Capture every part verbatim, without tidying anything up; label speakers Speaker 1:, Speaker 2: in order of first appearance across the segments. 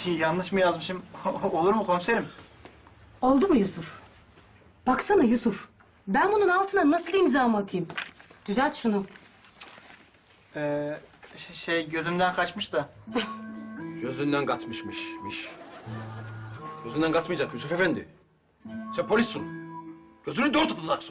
Speaker 1: yanlış mı yazmışım? Olur mu komiserim?
Speaker 2: Oldu mu Yusuf? Baksana Yusuf. Ben bunun altına nasıl imzamı atayım? Düzelt şunu.
Speaker 1: Ee, ş- şey gözümden kaçmış da.
Speaker 3: Gözünden kaçmışmış. miş. Gözünden kaçmayacak Yusuf Efendi. Sen polissin. Gözünü dört tutacaksın.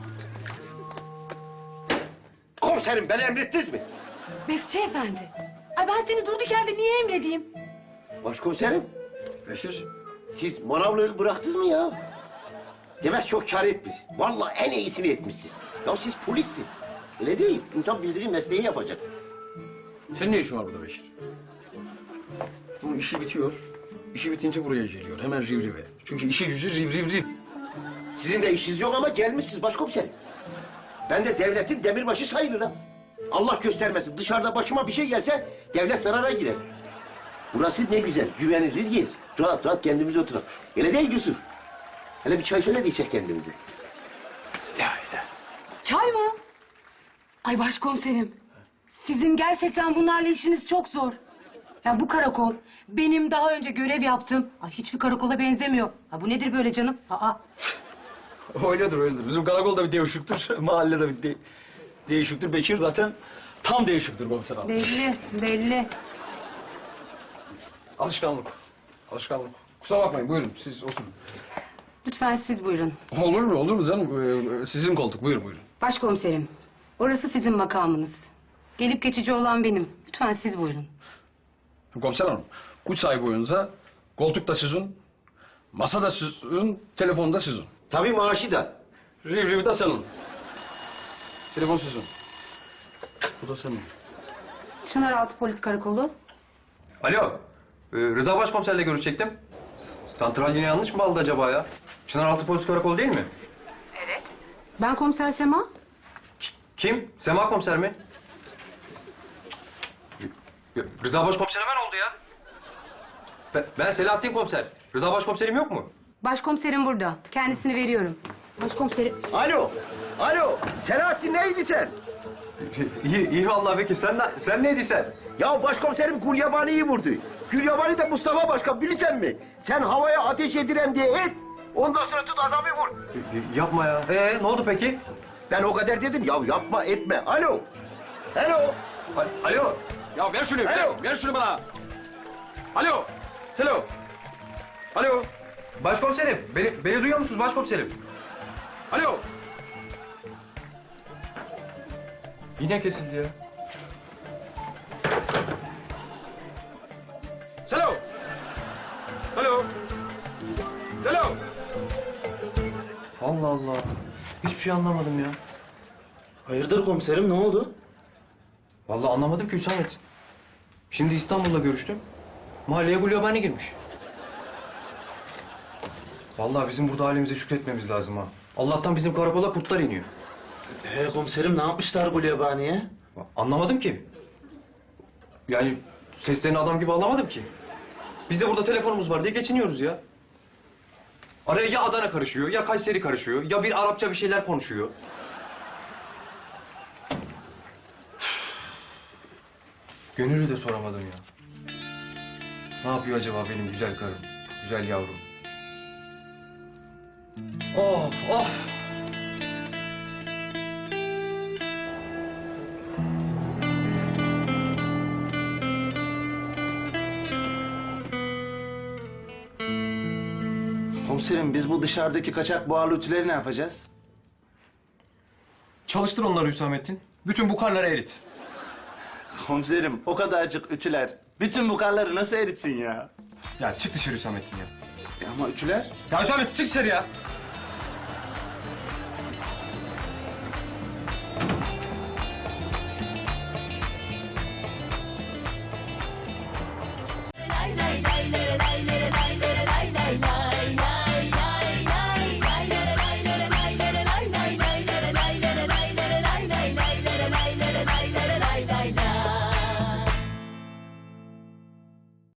Speaker 4: Komiserim beni emrettiniz mi?
Speaker 2: Bekçi efendi. Ay ben seni durduk yerde niye emredeyim?
Speaker 4: Başkomiserim
Speaker 3: Beşir.
Speaker 4: siz manavlığı bıraktınız mı ya? Demek çok kâr etmiş. Vallahi en iyisini etmişsiniz. Ya siz polissiniz. Öyle değil. İnsan bildiği mesleği yapacak.
Speaker 3: Senin ne işin var burada Beşir? Bunun işi bitiyor. İşi bitince buraya geliyor. Hemen riv rive. Çünkü işi gücü riv riv riv.
Speaker 4: Sizin de işiniz yok ama gelmişsiniz başkomiserim. Ben de devletin demirbaşı sayılırım. Allah göstermesin dışarıda başıma bir şey gelse devlet zarara girer. Burası ne güzel, güvenilir yer. Rahat rahat kendimize oturalım. Öyle değil Yusuf. Hele bir çay söyle de içecek kendimize.
Speaker 2: Çay mı? Ay başkomiserim. Sizin gerçekten bunlarla işiniz çok zor. Ya bu karakol benim daha önce görev yaptığım ay hiçbir karakola benzemiyor. Ha bu nedir böyle canım? Aa.
Speaker 3: Öyledir öyledir. Bizim karakolda bir değişiktir. Mahallede bir de değişiktir. Bekir zaten tam değişiktir komiser abi.
Speaker 2: Belli, belli.
Speaker 3: Alışkanlık. Alışkanlık. Kusura bakmayın buyurun siz oturun.
Speaker 2: Lütfen siz buyurun.
Speaker 3: Olur mu olur mu canım? Ee, sizin koltuk buyurun buyurun.
Speaker 2: Başkomiserim, orası sizin makamınız. Gelip geçici olan benim. Lütfen siz buyurun.
Speaker 3: Komiser hanım, güç sahibi oyunuza koltuk da sizin, masa da sizin, telefon da sizin.
Speaker 4: Tabii maaşı da.
Speaker 3: Riv riv de senin. Telefon sizin. Bu da senin.
Speaker 2: Çınaraltı Polis Karakolu.
Speaker 5: Alo, ee, Rıza Başkomiserle görüşecektim. S- Santral yine yanlış mı aldı acaba ya? Çınaraltı Polis Karakolu değil mi?
Speaker 2: Ben komiser Sema.
Speaker 5: Kim? Sema Komiser mi? Ya, Rıza Başkomiser hemen oldu ya. Ben, ben Selahattin Komiser. Rıza Başkomiserim yok mu?
Speaker 2: Başkomiserim burada. Kendisini veriyorum. Başkomiserim.
Speaker 4: Alo, alo. Selahattin neydi sen?
Speaker 5: iyi, iyi vallahi Bekir. Sen, ne- sen neydi sen?
Speaker 4: Ya başkomiserim Gulyabani'yi vurdu. Gulyabani de Mustafa Başkan bilirsen mi? Sen havaya ateş edirem diye et. Ondan sonra tut adamı vur.
Speaker 5: Y- Yapma ya. Ee, ne oldu peki?
Speaker 4: Ben o kadar dedim ya yapma etme. Alo. Alo.
Speaker 5: A- Alo. Ya ver şunu, ver,
Speaker 4: Alo.
Speaker 5: ver şunu bana. Alo. Selo. Alo. Başkomiserim, beni, beni duyuyor musunuz başkomiserim? Alo. Yine kesildi ya. Selo. Alo. Selo. Allah Allah. Hiçbir şey anlamadım ya.
Speaker 1: Hayırdır komiserim ne oldu?
Speaker 5: Vallahi anlamadım ki Hüsamet. Şimdi İstanbul'da görüştüm. Mahalleye Gulyabani girmiş. Vallahi bizim burada halimize şükretmemiz lazım ha. Allah'tan bizim karakola kurtlar iniyor.
Speaker 1: Ee komiserim ne yapmışlar Gulyabani'ye?
Speaker 5: Anlamadım ki. Yani seslerini adam gibi anlamadım ki. Biz de burada telefonumuz var diye geçiniyoruz ya. Araya ya Adana karışıyor, ya Kayseri karışıyor, ya bir Arapça bir şeyler konuşuyor. Gönül'ü de soramadım ya. Ne yapıyor acaba benim güzel karım, güzel yavrum? Of, of!
Speaker 1: Komiserim biz bu dışarıdaki kaçak buharlı ütüleri ne yapacağız?
Speaker 5: Çalıştır onları Hüsamettin. Bütün bu karları erit.
Speaker 1: Komiserim o kadarcık ütüler bütün bu karları nasıl eritsin ya?
Speaker 5: Ya çık dışarı Hüsamettin ya.
Speaker 1: E ama ütüler?
Speaker 5: Ya Hüsamettin çık dışarı ya.